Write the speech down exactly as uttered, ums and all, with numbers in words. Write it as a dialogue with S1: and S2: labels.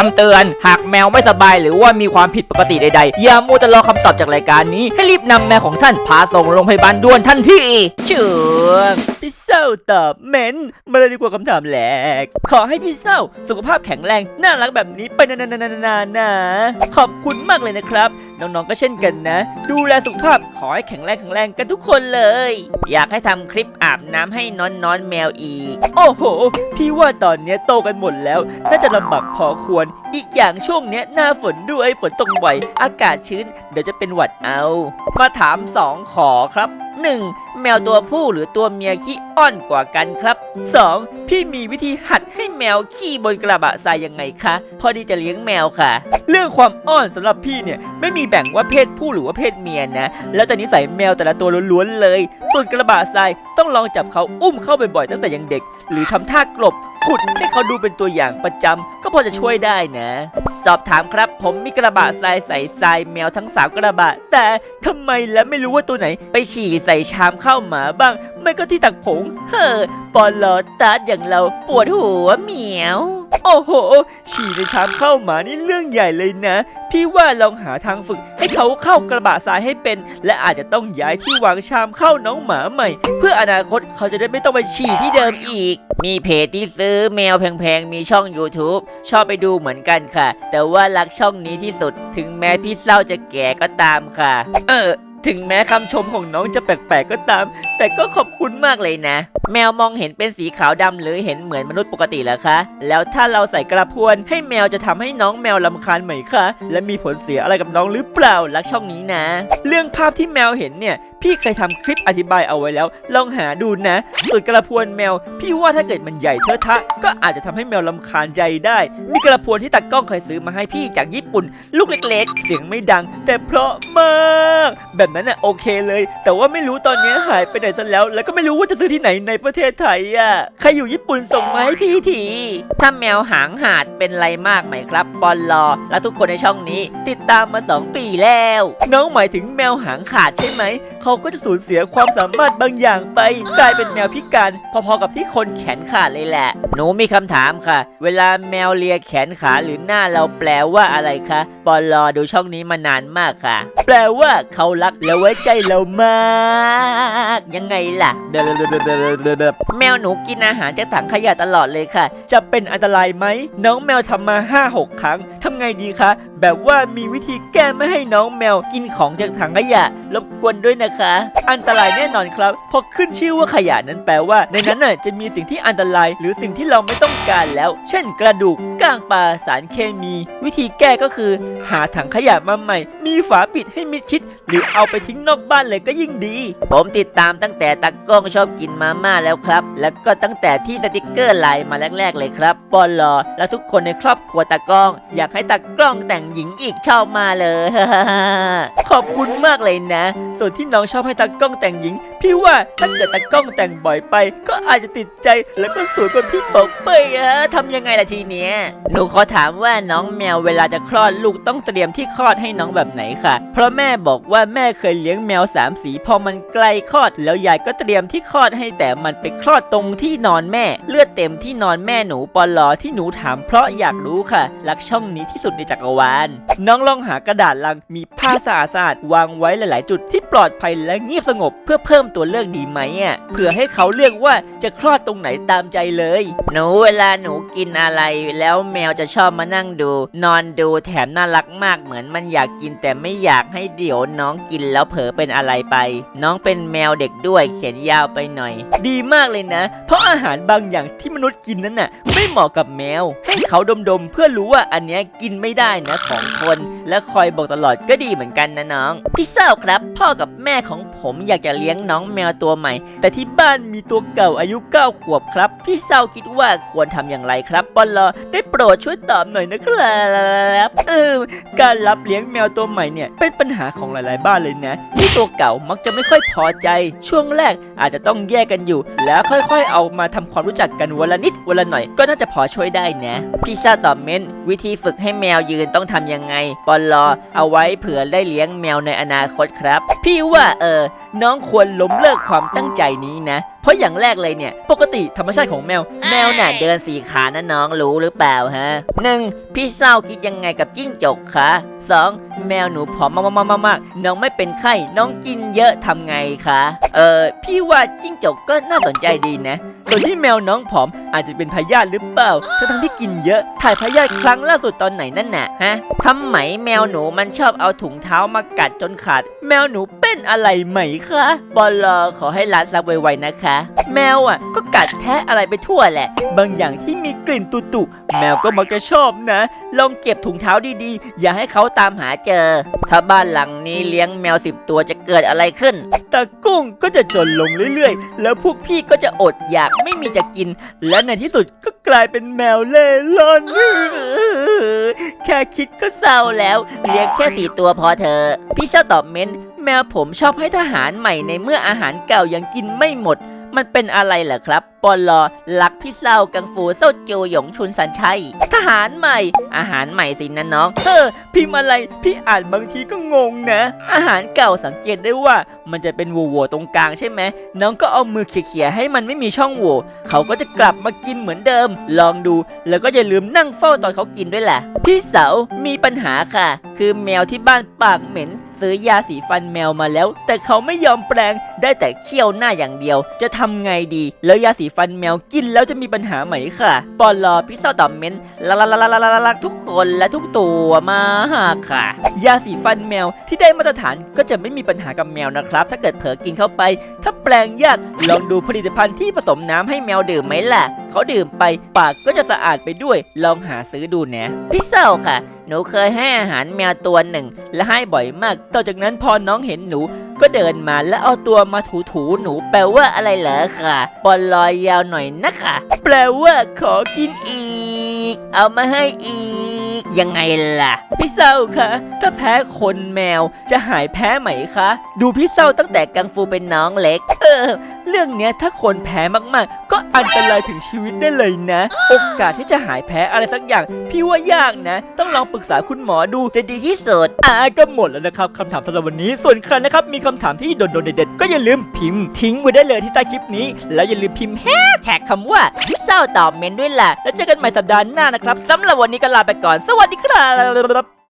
S1: ำเตือนหากแมวไม่สบายหรือว่ามีความผิดปกติใดๆอย่ามัวแต่รอคำตอบจากรายการนี้ให้รีบนำแมวของท่านพาส่งโรงพยาบาลด่วนทันทีช่วงพี่เศร้าตอบเม้นมาเลยดีกว่าคำถามแรกขอให้พี่เศร้าสุขภาพแข็งแรงน่ารักแบบนี้ไปนานๆๆๆนะขอบคุณมากเลยนะครับน้องๆก็เช่นกันนะดูแลสุขภาพขอให้แข็งแรงแข็งแรงกันทุกคนเลยอยากให้ทำคลิปอาบน้ำให้น้อนน้อนแมวอีกโอ้โหพี่ว่าตอนนี้โตกันหมดแล้วน่าจะลำบากพอควรอีกอย่างช่วงนี้หน้าฝนด้วยฝนตกบ่อยอากาศชื้นเดี๋ยวจะเป็นหวัดเอามาถามสองขอครับหนึ่งแมวตัวผู้หรือตัวเมียขี้อ้อนกว่ากันครับสองพี่มีวิธีหัดให้แมวขี้บนกระบะทรายยังไงคะพอดีจะเลี้ยงแมวค่ะเรื่องความอ้อนสำหรับพี่เนี่ยไม่มีแบ่งว่าเพศผู้หรือว่าเพศเมียนะแล้วแต่นิสัยแมวแต่ละตัวล้วนๆเลยส่วนกระบะทรายต้องลองจับเขาอุ้มเข้าบ่อยๆตั้งแต่ยังเด็กหรือทำท่ากลบขุดให้เขาดูเป็นตัวอย่างประจำก็พอจะช่วยได้นะสอบถามครับผมมีกระบะทรายใส่ทรายแมวทั้งสามกระบะแต่ทำไมแล้วไม่รู้ว่าตัวไหนไปฉี่ใส่ชามข้าวหมาบ้างไม่ก็ที่ตักผงเฮ้อปอลอตาร์อย่างเราปวดหัวเหมียวโอ้โหฉี่ในชามข้าวหมานี่เรื่องใหญ่เลยนะพี่ว่าลองหาทางฝึกให้เขาเข้ากระบะทรายให้เป็นและอาจจะต้องย้ายที่วางชามเข้าน้องหมาใหม่เพื่ออนาคตเขาจะได้ไม่ต้องไปฉี่ที่เดิมอีกมีเพจที่ซื้อแมวแพงๆมีช่อง YouTube ชอบไปดูเหมือนกันค่ะแต่ว่ารักช่องนี้ที่สุดถึงแม้พี่เศร้าจะแก่ก็ตามค่ะเออถึงแม้คำชมของน้องจะแปลกๆก็ตามแต่ก็ขอบคุณมากเลยนะแมวมองเห็นเป็นสีขาวดำหรือเห็นเหมือนมนุษย์ปกติเหรอคะแล้วถ้าเราใส่กระพวนให้แมวจะทำให้น้องแมวรำคาญไหมคะและมีผลเสียอะไรกับน้องหรือเปล่ารักช่องนี้นะเรื่องภาพที่แมวเห็นเนี่ยพี่เคยทำคลิปอธิบายเอาไว้แล้วลองหาดูนะส่วนกระพวนแมวพี่ว่าถ้าเกิดมันใหญ่เทอะทะก็อาจจะทำให้แมวรำคาญใจได้มีกระพวนที่ตากล้องเคยซื้อมาให้พี่จากญี่ปุ่นลูกเล็กๆเสียงไม่ดังแต่เพราะมากแบบนั้นน่ะโอเคเลยแต่ว่าไม่รู้ตอนนี้หายไปไหนซะแล้วแล้วก็ไม่รู้ว่าจะซื้อที่ไหนในประเทศไทยอ่ะใครอยู่ญี่ปุ่นส่งมาให้พี่ทีถ้าแมวหางหาดเป็นไรมากไหมครับปอนลอและทุกคนในช่องนี้ติดตามมาสองปีแล้วน้องหมายถึงแมวหางขาดใช่ไหมเขาก็จะสูญเสียความสามารถบางอย่างไปกลายเป็นแมวพิการพอๆกับที่คนแขนขาดเลยแหละหนูมีคำถามค่ะเวลาแมวเลียแขนขาหรือหน้าเราแปลว่าอะไรคะปอนลอดูช่องนี้มานานมากค่ะแปลว่าเขารักและไว้ใจเรามากยังไงล่ะแมวหนูกินอาหารจากถังขยะตลอดเลยค่ะจะเป็นอันตรายไหมน้องแมวทำมา ห้าหก ครั้งทำไงดีคะแบบว่ามีวิธีแก้ไม่ให้น้องแมวกินของจากถังขยะรบกวนด้วยนะคะอันตรายแน่นอนครับเพราะขึ้นชื่อว่าขยะนั้นแปลว่าในนั้นน่ะจะมีสิ่งที่อันตรายหรือสิ่งที่เราไม่ต้องการแล้วเช่นกระดูกก้างปลาสารเคมีวิธีแก้ก็คือหาถังขยะมาใหม่มีฝาปิดให้มิดชิดหรือเอาไปทิ้งนอกบ้านเลยก็ยิ่งดีผมติดตามตั้งแต่ตากล้องชอบกินมาม่าแล้วครับแล้วก็ตั้งแต่ที่สติกเกอร์ไลน์มาแรกๆเลยครับปอนลอและทุกคนในครอบครัวตากล้องอยากให้ตากล้องแต่งหญิงอีกชอบมาเลย ขอบคุณมากเลยนะส่วนที่น้องชอบให้ตากล้องแต่งหญิงพี่ว่าถ้าเกิดตากล้องแต่งบ่อยไปก็อาจจะติดใจแล้วก็สวยกว่าพี่ป๋องเป้ยอะทำยังไงล่ะทีเนี้ยหนูขอถามว่าน้องแมวเวลาจะคลอดลูกต้องเตรียมที่คลอดให้น้องแบบไหนค่ะเพราะแม่บอกว่าแม่เคยเลี้ยงแมวสามสีพอมันใกล้คลอดแล้วยายก็เตรียมที่คลอดให้แต่มันไปคลอดตรงที่นอนแม่เลือดเต็มที่นอนแม่หนูปอลอที่หนูถามเพราะอยากรู้ค่ะรักช่องนี้ที่สุดในจักรวาลน้องลองหากระดาษลังมีผ้าสะอาดๆวางไว้หลายๆจุดที่ปลอดภัยและเงียบสงบเพื่อเพิ่มตัวเลือกดีไหมอ่ะเผื่อให้เขาเลือกว่าจะคลอดตรงไหนตามใจเลยหนูเวลาหนูกินอะไรแล้วแมวจะชอบมานั่งดูนอนดูแถมน่ารักมากเหมือนมันอยากกินแต่ไม่อยากให้เดี๋ยวน้องกินแล้วเผลอเป็นอะไรไปน้องเป็นแมวเด็กด้วยเขียนยาวไปหน่อยดีมากเลยนะเพราะอาหารบางอย่างที่มนุษย์กินนั้นน่ะไม่เหมาะกับแมวให้เขาดมๆเพื่อรู้ว่าอันนี้กินไม่ได้นะของคนและคอยบอกตลอดก็ดีเหมือนกันนะน้องพี่เศร้าครับพ่อกับแม่ของผมอยากจะเลี้ยงน้องแมวตัวใหม่แต่ที่บ้านมีตัวเก่าอายุเก้าขวบครับพี่เศร้าคิดว่าควรทำอย่างไรครับปอลอได้โปรดช่วยตอบหน่อยนะครับเออการรับเลี้ยงแมวตัวใหม่เนี่ยเป็นปัญหาของหลายๆบ้านเลยนะที่ตัวเก่ามักจะไม่ค่อยพอใจช่วงแรกอาจจะต้องแยกกันอยู่แล้วค่อยๆเอามาทำความรู้จักกันวันละนิดวันละหน่อยก็น่าจะพอช่วยได้นะพี่เศร้าตอบเม้นวิธีฝึกให้แมวยืนต้องทำยังไงไงปอลอเอาไว้เผื่อได้เลี้ยงแมวในอนาคตครับพี่ว่าเออน้องควรล้มเลิกความตั้งใจนี้นะเพราะอย่างแรกเลยเนี่ยปกติธรรมชาติของแมวแมวน่ะเดินสี่ขานะน้องรู้หรือเปล่าฮะหนึ่งพี่เศร้าคิดยังไงกับจิ้งจกคะสองแมวหนูผอมมากๆๆๆน้องไม่เป็นไข้น้องกินเยอะทำไงคะเออพี่ว่าจิ้งจกก็น่าสนใจดีนะส่วนที่แมวน้องผอมอาจจะเป็นพยาธิหรือเปล่าทั้งที่กินเยอะถ่ายพยาธิครั้งล่าสุดตอนไหนนั่นน่ะฮะทำไมแมวหนูมันชอบเอาถุงเท้ามากัดจนขาดแมวหนูเป็นอะไรไหมคะบอลลอขอให้ร้านซับไวๆนะคะแมวอ่ะก็กัดแทะอะไรไปทั่วแหละบางอย่างที่มีกลิ่นตุ่ๆแมวก็มักจะชอบนะลองเก็บถุงเท้าดีๆอย่าให้เขาตามหาเจอถ้าบ้านหลังนี้เลี้ยงแมวสิบตัวจะเกิดอะไรขึ้นตากุ้งก็จะจนลงเรื่อยๆแล้วพวกพี่ก็จะอดอยากไม่มีจะกินและในที่สุดก็กลายเป็นแมวเล่ร่อนแค่คิดก็เศร้าแล้วเลี้ยงแค่สี่ตัวพอเธอพี่เศร้าตอบเม้นแมวผมชอบให้ทหารใหม่ในเมื่ออาหารเก่ายังกินไม่หมดมันเป็นอะไรเหรอครับปอลอลักพี่เศร้ากังฟูเศร้าโจหยงชุนสันชัยทหารใหม่อาหารใหม่สินะน้องเออพิมพ์อะไรพี่อ่านบางทีก็งงนะอาหารเก่าสังเกตได้ว่ามันจะเป็นโหว่ๆตรงกลางใช่ไหมน้องก็เอามือเขี่ยๆให้มันไม่มีช่องโหว่เขาก็จะกลับมากินเหมือนเดิมลองดูแล้วก็อย่าลืมนั่งเฝ้าตอนเขากินด้วยแหละพี่เสามีปัญหาค่ะคือแมวที่บ้านปากเหม็นซื้อยาสีฟันแมวมาแล้วแต่เขาไม่ยอมแปรงได้แต่เคี่ยวหน้าอย่างเดียวจะทำไงดีแล้วยาสีฟันแมวกินแล้วจะมีปัญหาไหมค่ะปอลอพี่เศร้าตอบเม้นลักลักลักลักลักลักทุกคนและทุกตัวมาค่ะยาสีฟันแมวที่ได้มาตรฐานก็จะไม่มีปัญหากับแมวนะครับถ้าเกิดเผลอกินเข้าไปถ้าแปลงยากลองดูผลิตภัณฑ์ที่ผสมน้ำให้แมวดื่มไหมล่ะเขาดื่มไปปากก็จะสะอาดไปด้วยลองหาซื้อดูนะพี่เศร้าค่ะหนูเคยให้อาหารแมวตัวหนึ่งและให้บ่อยมากต่อจากนั้นพอน้องเห็นหนูก็เดินมาแล้วเอาตัวมาถูๆหนูแปลว่าอะไรเหรอค่ะบอลลอยยาวหน่อยนะคะแปลว่าขอกินอีกเอามาให้อีกยังไงล่ะพี่เศร้าคะถ้าแพ้คนแมวจะหายแพ้ไหมคะดูพี่เศร้าตั้งแต่กังฟูเป็นน้องเล็กเออเรื่องเนี้ยถ้าคนแพ้มากๆก็อันตรายถึงชีวิตได้เลยนะโอกาสที่จะหายแพ้อะไรสักอย่างพี่ว่ายากนะต้องลองปรึกษาคุณหมอดูจะดีที่สุดอ่ะก็หมดแล้วนะครับคำถามสำหรับวันนี้ส่วนใครนะครับมีคำถามที่โดนๆเด็ดๆก็อย่าลืมพิมพ์ทิ้งไว้ได้เลยที่ใต้คลิปนี้แล้วอย่าลืมพิมพ์แฮชแท็กคำว่าพี่เศร้าตอบเมนด้วยล่ะแล้วเจอกันใหม่สัปดาห์หน้านะครับสำหรับวันนี้ก็ลาไปก่อนสวัสดีครับ